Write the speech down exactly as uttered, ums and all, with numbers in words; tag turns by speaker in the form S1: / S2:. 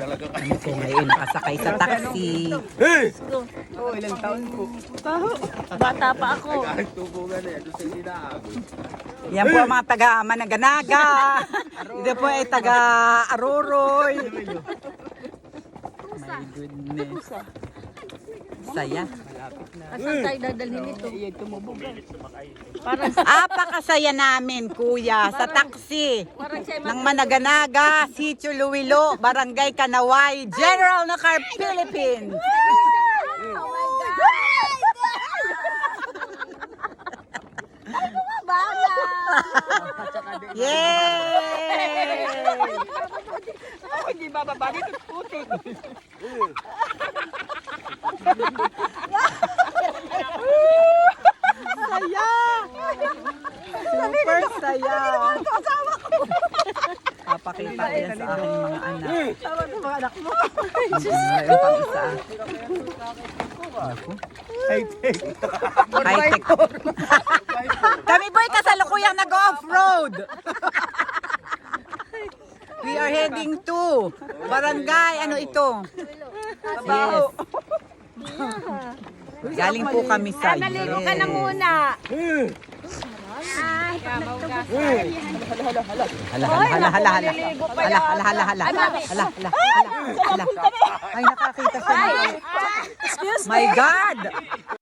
S1: Kami po ngayon nakasakay sa taxi.
S2: Oh, ilang taon po.
S3: Bata pa ako.
S1: Yan po ang mga taga Managanaga. Ito po ay taga Aroroy. My goodness. Saya.
S3: Asan tayo dadalhin ito?
S2: Iyan tumubog.
S3: Parang,
S1: Apakasaya namin, kuya, sa taxi
S3: parang siya
S1: ng Managanaga, Sitio Luilo, Barangay Kanaway, General Nakar, Philippines.
S3: Oh my God! Bala!
S1: Yay!
S2: Oh, hindi bababa dito. Putik.
S1: Saya! Super saya! Papakita yan sa aking mga anak.
S2: Tama sa mga anak mo.
S1: Mayroon pang isa. Naku.
S2: High-tech.
S1: High-tech. Kami boy kasalukuyang nag-off-road. We are heading to Barangay, ano ito? Yes. Galing po kami sa
S3: Naligo ka na muna.
S1: Hala, hala, hala, hala, hala. Hala, hala, hala, hala. Hala, hala, hala. Ay, nakakita siya. My God!